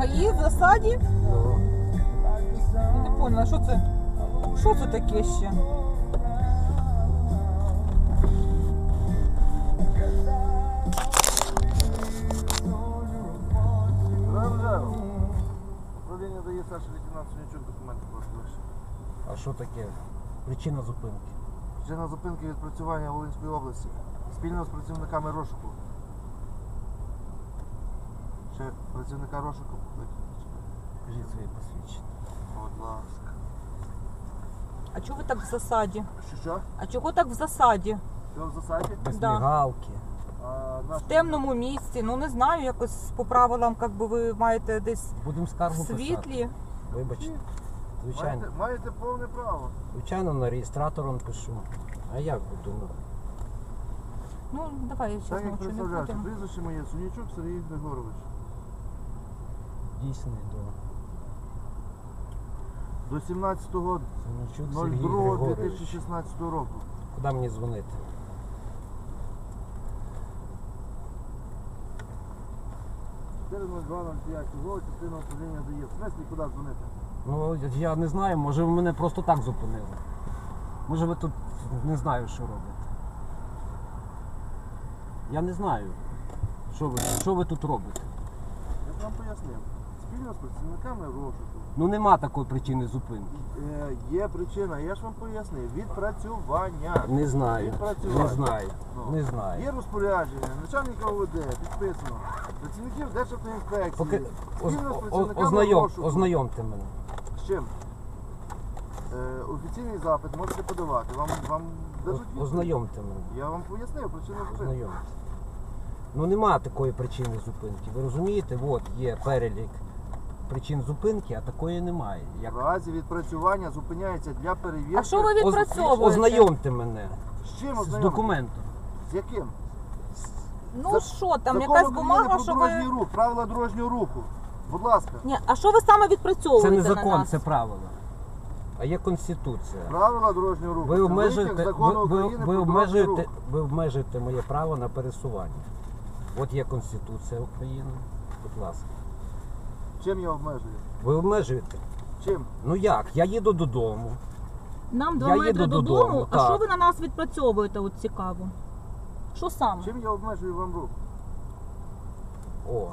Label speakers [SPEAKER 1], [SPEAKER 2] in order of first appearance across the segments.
[SPEAKER 1] ГАІ в засаді?
[SPEAKER 2] Ну,
[SPEAKER 1] Я не поняла, що це? Що це таке ще?
[SPEAKER 3] Управління дає старший лейтенант Сунячук, документи просто.
[SPEAKER 2] а що таке? Причина зупинки.
[SPEAKER 3] Причина зупинки відпрацювання Волинської області. Спільно з працівниками розшуку. Ще працівника розшуку покликати.
[SPEAKER 2] Кажіть своє посвідчення.
[SPEAKER 3] Будь ласка.
[SPEAKER 1] А чого ви так в засаді?
[SPEAKER 3] Що?
[SPEAKER 1] А чого так в засаді?
[SPEAKER 3] Що в засаді?
[SPEAKER 2] Без
[SPEAKER 1] Да.
[SPEAKER 2] мігалки.
[SPEAKER 1] В темному місці, ну не знаю, якось по правилам, як би ви маєте десь
[SPEAKER 2] Будемо
[SPEAKER 1] в
[SPEAKER 2] скаргу писати.
[SPEAKER 1] світлі.
[SPEAKER 2] Вибачте. Звичайно.
[SPEAKER 3] Маєте повне право.
[SPEAKER 2] Звичайно, на реєстратором пишу. А як буду?
[SPEAKER 1] Ну, давай, я
[SPEAKER 3] Так
[SPEAKER 1] зараз
[SPEAKER 3] як
[SPEAKER 1] нічого не
[SPEAKER 3] представляєш,
[SPEAKER 1] будемо.
[SPEAKER 3] прізвище моє Сунячук Сергій Григорович.
[SPEAKER 2] Дійсний до
[SPEAKER 3] До 17.02.2016
[SPEAKER 2] Синячук Сергій Григорович.
[SPEAKER 3] року.
[SPEAKER 2] Куди мені дзвонити?
[SPEAKER 3] Чого частина управління дає? В смислі, куди дзвонити?
[SPEAKER 2] Ну, я не знаю, може ви мене просто так зупинили. Може ви тут не знаю, що робите. Я не знаю, що ви тут робите.
[SPEAKER 3] Я вам пояснив. Спільно з працівниками розшуку.
[SPEAKER 2] Ну нема такої причини зупинки.
[SPEAKER 3] Є причина, я ж вам пояснив. Відпрацювання.
[SPEAKER 2] Не знаю.
[SPEAKER 3] Відпрацювання.
[SPEAKER 2] Не знаю.
[SPEAKER 3] Ну.
[SPEAKER 2] Не знаю.
[SPEAKER 3] Є розпорядження, начальника ОВД, підписано. Працівників Державтоінспекції.
[SPEAKER 2] Поки
[SPEAKER 3] Спільно з працівниками розшуку.
[SPEAKER 2] ознайомте мене.
[SPEAKER 3] З чим? Офіційний запит можете подавати. Вам дадуть відповідь.
[SPEAKER 2] Ознайомте мене.
[SPEAKER 3] Я вам пояснив причину зупинки.
[SPEAKER 2] Ознайомте. Ну нема такої причини зупинки. Ви розумієте? От є перелік причин зупинки, а такої немає.
[SPEAKER 3] В разі відпрацювання зупиняється для перевірки.
[SPEAKER 1] А що ви відпрацьовуєте?
[SPEAKER 2] Ознайомте мене
[SPEAKER 3] З чим
[SPEAKER 2] з
[SPEAKER 3] ознайомити?
[SPEAKER 2] документом.
[SPEAKER 3] З яким?
[SPEAKER 1] Ну що там,
[SPEAKER 3] Закон
[SPEAKER 1] якась
[SPEAKER 3] України
[SPEAKER 1] бумага,
[SPEAKER 3] про
[SPEAKER 1] що
[SPEAKER 3] дорожній
[SPEAKER 1] ви...
[SPEAKER 3] рух, правила дорожнього руху. Будь ласка.
[SPEAKER 1] Ні, а що ви саме відпрацьовуєте
[SPEAKER 2] Це не
[SPEAKER 1] на
[SPEAKER 2] закон,
[SPEAKER 1] нас?
[SPEAKER 2] це правила. А є Конституція.
[SPEAKER 3] Правила дорожнього руху.
[SPEAKER 2] Ви
[SPEAKER 3] Це
[SPEAKER 2] обмежуєте,
[SPEAKER 3] витяг закону України про дорожній рух.
[SPEAKER 2] ви обмежуєте моє право на пересування. От є Конституція України. Будь ласка.
[SPEAKER 3] Чим я обмежую?
[SPEAKER 2] Ви обмежуєте?
[SPEAKER 3] Чим?
[SPEAKER 2] Ну як? Я їду додому.
[SPEAKER 1] Нам 2
[SPEAKER 2] Я
[SPEAKER 1] метри
[SPEAKER 2] їду
[SPEAKER 1] додому,
[SPEAKER 2] додому,
[SPEAKER 1] а
[SPEAKER 2] так.
[SPEAKER 1] що ви на нас відпрацьовуєте, от цікаво? Що саме?
[SPEAKER 3] Чим я обмежую вам рух?
[SPEAKER 2] О,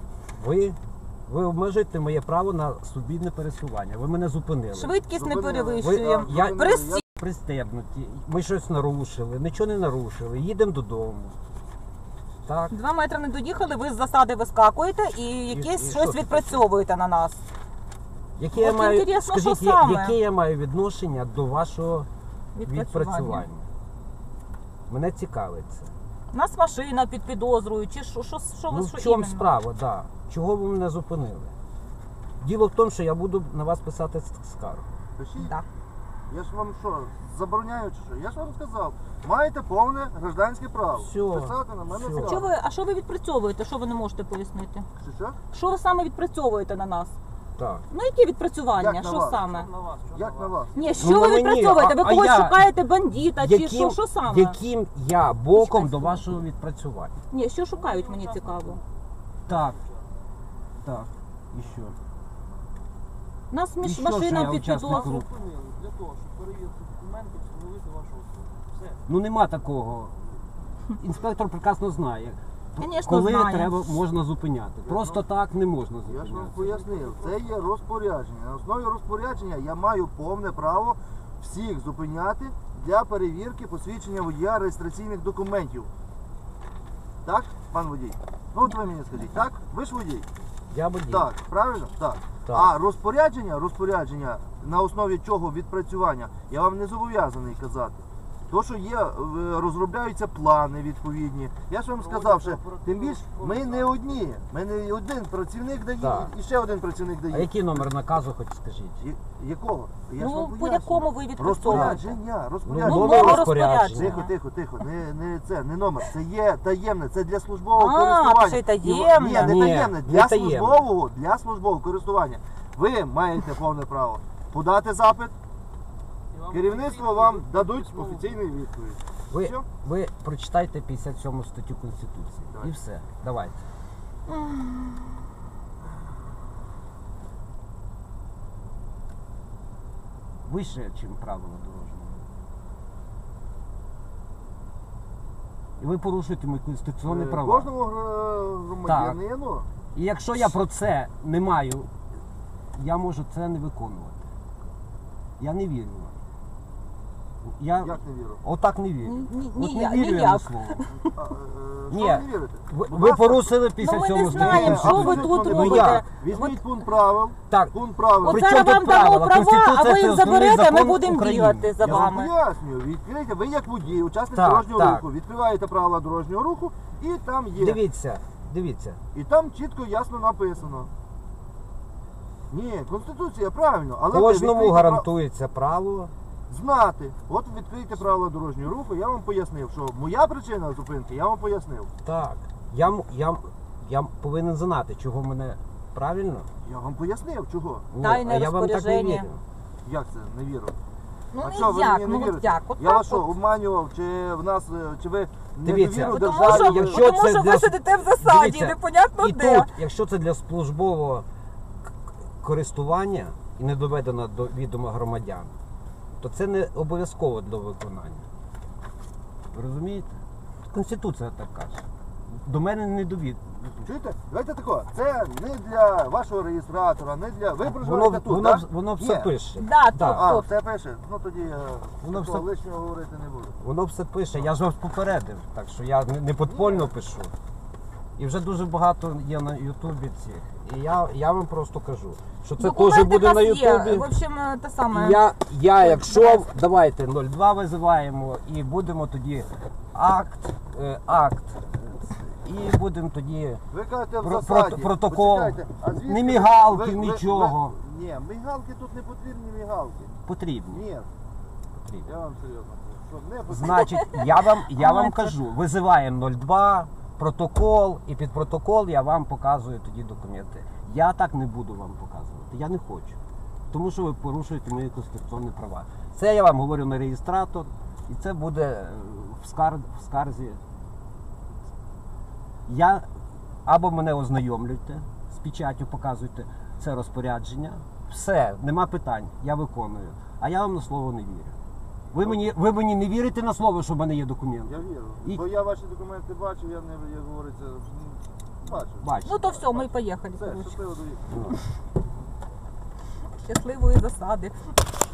[SPEAKER 2] ви обмежуєте моє право на свобідне пересування. Ви мене зупинили.
[SPEAKER 1] Швидкість не
[SPEAKER 3] Зупинили.
[SPEAKER 1] перевищуємо.
[SPEAKER 2] Я-
[SPEAKER 1] Присті-
[SPEAKER 2] Пристебнуті. Ми щось нарушили, нічого не нарушили. Їдемо додому. Так.
[SPEAKER 1] 2 метри не доїхали, ви з засади вискакуєте і якесь
[SPEAKER 2] і
[SPEAKER 1] щось
[SPEAKER 2] що це
[SPEAKER 1] відпрацьовуєте на нас.
[SPEAKER 2] Яке я
[SPEAKER 1] От
[SPEAKER 2] маю,
[SPEAKER 1] інтересно,
[SPEAKER 2] скажіть,
[SPEAKER 1] що саме?
[SPEAKER 2] яке я маю відношення до вашого відпрацювання? Мене цікавить це.
[SPEAKER 1] У нас машина під підозрою, чи що ви
[SPEAKER 2] Ну
[SPEAKER 1] що
[SPEAKER 2] в чому
[SPEAKER 1] іменно?
[SPEAKER 2] справа, да. Чого ви мене зупинили? Діло в тому, що я буду на вас писати скаргу.
[SPEAKER 3] Пишіть.
[SPEAKER 1] Да.
[SPEAKER 3] Я ж вам що, забороняю чи що? Я ж вам сказав, маєте повне гражданське право.
[SPEAKER 2] Всьо.
[SPEAKER 3] Писати на мене
[SPEAKER 2] Всьо.
[SPEAKER 3] скаргу.
[SPEAKER 1] А що ви відпрацьовуєте? Що ви не можете пояснити?
[SPEAKER 3] Що?
[SPEAKER 1] Що ви саме відпрацьовуєте на нас?
[SPEAKER 2] Так.
[SPEAKER 1] Ну які відпрацювання?
[SPEAKER 3] Як на
[SPEAKER 1] Що
[SPEAKER 3] вас?
[SPEAKER 1] саме?
[SPEAKER 3] Як на вас?
[SPEAKER 1] Ні, що
[SPEAKER 2] Ну,
[SPEAKER 1] ви
[SPEAKER 2] на мені,
[SPEAKER 1] відпрацьовуєте? Ви
[SPEAKER 2] а
[SPEAKER 1] когось
[SPEAKER 2] я-
[SPEAKER 1] шукаєте бандита чи що саме?
[SPEAKER 2] Яким я боком
[SPEAKER 1] Чекай,
[SPEAKER 2] до вашого відпрацювання?
[SPEAKER 1] Ні, що шукають, мені цікаво.
[SPEAKER 2] Так. Так. І що?
[SPEAKER 1] У нас
[SPEAKER 2] І що, що я
[SPEAKER 1] машина під
[SPEAKER 2] учасник
[SPEAKER 1] підозрою.
[SPEAKER 2] руху?
[SPEAKER 4] Для того, щоб перевірити документи, встановити вашу особу. Все.
[SPEAKER 2] Ну нема такого. Інспектор прекрасно знає,
[SPEAKER 1] Конечно,
[SPEAKER 2] коли
[SPEAKER 1] знає.
[SPEAKER 2] треба можна зупиняти. Просто так не можна
[SPEAKER 3] Я ж вам
[SPEAKER 2] зупиняти.
[SPEAKER 3] пояснив, це є розпорядження. На основі розпорядження я маю повне право всіх зупиняти для перевірки посвідчення водія реєстраційних документів. Так, пан водій? Ну от ви мені скажіть, так? Ви ж водій?
[SPEAKER 2] Я водій.
[SPEAKER 3] Так, правильно? Так.
[SPEAKER 2] Так.
[SPEAKER 3] А розпорядження на основі чого відпрацювання, я вам не зобов'язаний казати. То, що є, розробляються плани відповідні. Я ж вам сказав, що тим більше ми не одні. Ми не один працівник дає
[SPEAKER 2] Так.
[SPEAKER 3] і ще один працівник
[SPEAKER 2] А
[SPEAKER 3] дає.
[SPEAKER 2] який номер наказу, хоч скажіть?
[SPEAKER 3] Якого? Я ж вам
[SPEAKER 1] Ну, по
[SPEAKER 3] пояснюю.
[SPEAKER 1] якому ви відпрацьовуєте?
[SPEAKER 3] Розпорядження.
[SPEAKER 2] Ну,
[SPEAKER 1] нове
[SPEAKER 2] розпорядження.
[SPEAKER 3] Тихо, тихо, тихо. Не номер. Це є таємне, це для службового
[SPEAKER 1] А,
[SPEAKER 3] користування.
[SPEAKER 1] це таємне.
[SPEAKER 3] Ні, не
[SPEAKER 2] Ні,
[SPEAKER 3] таємне.
[SPEAKER 2] не
[SPEAKER 3] Для
[SPEAKER 2] таємне.
[SPEAKER 3] службового користування. Ви маєте повне право подати запит,
[SPEAKER 4] І вам
[SPEAKER 3] керівництво
[SPEAKER 4] офіційно
[SPEAKER 3] вам
[SPEAKER 4] дадуть
[SPEAKER 3] дадуть
[SPEAKER 4] письмову
[SPEAKER 3] офіційну відповідь.
[SPEAKER 2] Ви,
[SPEAKER 3] Все?
[SPEAKER 2] ви прочитайте 57 статтю Конституції.
[SPEAKER 3] Давай.
[SPEAKER 2] І все. Давайте. вище, ніж правила дорожнього. І ви порушуєте мої конституційні права.
[SPEAKER 3] Кожному громадянину.
[SPEAKER 2] І якщо я про це не маю, я можу це не виконувати. Я не вірю вам. Я
[SPEAKER 3] Як не вірю?
[SPEAKER 2] отак не вірю. От не вірю я на
[SPEAKER 1] ніяк.
[SPEAKER 2] слово.
[SPEAKER 3] Що
[SPEAKER 2] Ні.
[SPEAKER 3] ви не вірите?
[SPEAKER 2] Ви порушили після
[SPEAKER 1] Ну ми
[SPEAKER 2] цього
[SPEAKER 1] не знаємо,
[SPEAKER 2] статтю
[SPEAKER 1] що ви
[SPEAKER 3] Абсолютно
[SPEAKER 1] тут
[SPEAKER 3] не
[SPEAKER 2] Ну,
[SPEAKER 1] робите.
[SPEAKER 2] як?
[SPEAKER 3] Візьміть пункт правил.
[SPEAKER 2] Так.
[SPEAKER 3] Пункт правил.
[SPEAKER 1] От
[SPEAKER 2] При
[SPEAKER 1] зараз
[SPEAKER 2] чому
[SPEAKER 1] вам
[SPEAKER 2] тут
[SPEAKER 1] дамо
[SPEAKER 2] правила?
[SPEAKER 1] права, а
[SPEAKER 2] Конституція
[SPEAKER 1] ви
[SPEAKER 2] це
[SPEAKER 1] їх
[SPEAKER 2] основний
[SPEAKER 1] заберете, а ми
[SPEAKER 2] закон
[SPEAKER 1] будемо
[SPEAKER 2] України.
[SPEAKER 1] бігати за
[SPEAKER 3] Я вам
[SPEAKER 1] вами.
[SPEAKER 3] пояснюю. Відкрийте, ви як водій, учасник
[SPEAKER 2] Так,
[SPEAKER 3] дорожнього
[SPEAKER 2] так.
[SPEAKER 3] руху, відкриваєте правила дорожнього руху і там є.
[SPEAKER 2] Дивіться.
[SPEAKER 3] І там чітко ясно написано. Ні, Конституція, правильно, але ви
[SPEAKER 2] Кожному
[SPEAKER 3] відкрийте
[SPEAKER 2] гарантується право.
[SPEAKER 3] знати. От відкрийте правила дорожнього руху, я вам пояснив, що моя причина зупинки, я вам пояснив.
[SPEAKER 2] Так. Я повинен знати, чого мене правильно.
[SPEAKER 3] Я вам пояснив, чого.
[SPEAKER 2] Ні,
[SPEAKER 1] Тайне
[SPEAKER 2] а я вам так не
[SPEAKER 1] розпорядження.
[SPEAKER 2] вірю.
[SPEAKER 3] Як це? Не вірю.
[SPEAKER 1] Ну
[SPEAKER 3] А що, ви
[SPEAKER 1] як,
[SPEAKER 3] мені не
[SPEAKER 1] ну от
[SPEAKER 3] вірите?
[SPEAKER 1] як? От
[SPEAKER 3] Я
[SPEAKER 1] так
[SPEAKER 3] вас що,
[SPEAKER 1] от.
[SPEAKER 3] обманював, чи в нас, чи ви не
[SPEAKER 2] Дивіться.
[SPEAKER 3] довіру
[SPEAKER 1] Бо Тому
[SPEAKER 3] державі?
[SPEAKER 1] що,
[SPEAKER 2] якщо
[SPEAKER 1] бо тому
[SPEAKER 2] це
[SPEAKER 1] що
[SPEAKER 2] для-
[SPEAKER 1] ви сидите в засаді,
[SPEAKER 2] Дивіться,
[SPEAKER 1] непонятно
[SPEAKER 2] І
[SPEAKER 1] де.
[SPEAKER 2] тут, якщо це для службового користування і не доведено до відома громадян, то це не обов'язково для виконання. Ви розумієте? Конституція так каже. До мене не довід.
[SPEAKER 3] Чуєте? Давайте тако. Це не для вашого реєстратора, не для... Ви проживаєте тут, так?
[SPEAKER 2] Воно все
[SPEAKER 3] Ні.
[SPEAKER 2] пише.
[SPEAKER 1] Да,
[SPEAKER 2] Так.
[SPEAKER 1] тут,
[SPEAKER 3] А,
[SPEAKER 1] тут.
[SPEAKER 3] все пише? Ну тоді
[SPEAKER 2] Воно
[SPEAKER 3] такого
[SPEAKER 2] все-
[SPEAKER 3] лишнього говорити не буду.
[SPEAKER 2] Воно все пише. Я ж вас попередив, так що я не подпольно пишу. І вже дуже багато є на Ютубі цих. І я вам просто кажу, що це теж
[SPEAKER 1] Документи
[SPEAKER 2] буде
[SPEAKER 1] в
[SPEAKER 2] на
[SPEAKER 1] нас є.
[SPEAKER 2] Ютубі.
[SPEAKER 1] В общем, те саме.
[SPEAKER 2] Я якщо давайте 02 визиваємо і будемо тоді акт, і будемо тоді
[SPEAKER 3] Ви кажете в
[SPEAKER 2] Про-
[SPEAKER 3] засаді.
[SPEAKER 2] протокол.
[SPEAKER 3] Почекайте, а звідки
[SPEAKER 2] Ні
[SPEAKER 3] ви-
[SPEAKER 2] мігалки, нічого.
[SPEAKER 3] Ні, мігалки тут не потрібні мігалки.
[SPEAKER 2] потрібні.
[SPEAKER 3] Ні,
[SPEAKER 2] потрібні.
[SPEAKER 3] я вам серйозно кажу, що не потрібні.
[SPEAKER 2] Значить, я вам кажу, визиваємо 02, протокол, і під протокол я вам показую тоді документи. Я так не буду вам показувати, я не хочу. Тому що ви порушуєте мої конституційні права. Це я вам говорю на реєстратор, і це буде в скарзі. Або мене ознайомлюйте з печаттю, показуйте це розпорядження. Все, нема питань, я виконую. А я вам на слово не вірю. Ви мені не вірите на слово, що в мене є документи?
[SPEAKER 3] Я вірю.
[SPEAKER 2] І-
[SPEAKER 3] Бо я ваші документи бачив, я не, як говориться, бачив.
[SPEAKER 2] Бачите.
[SPEAKER 1] Ну то все, ми поїхали.
[SPEAKER 3] Все,
[SPEAKER 1] коротше.
[SPEAKER 3] щасливо доїхати.
[SPEAKER 2] Ну.
[SPEAKER 1] Щасливої засади.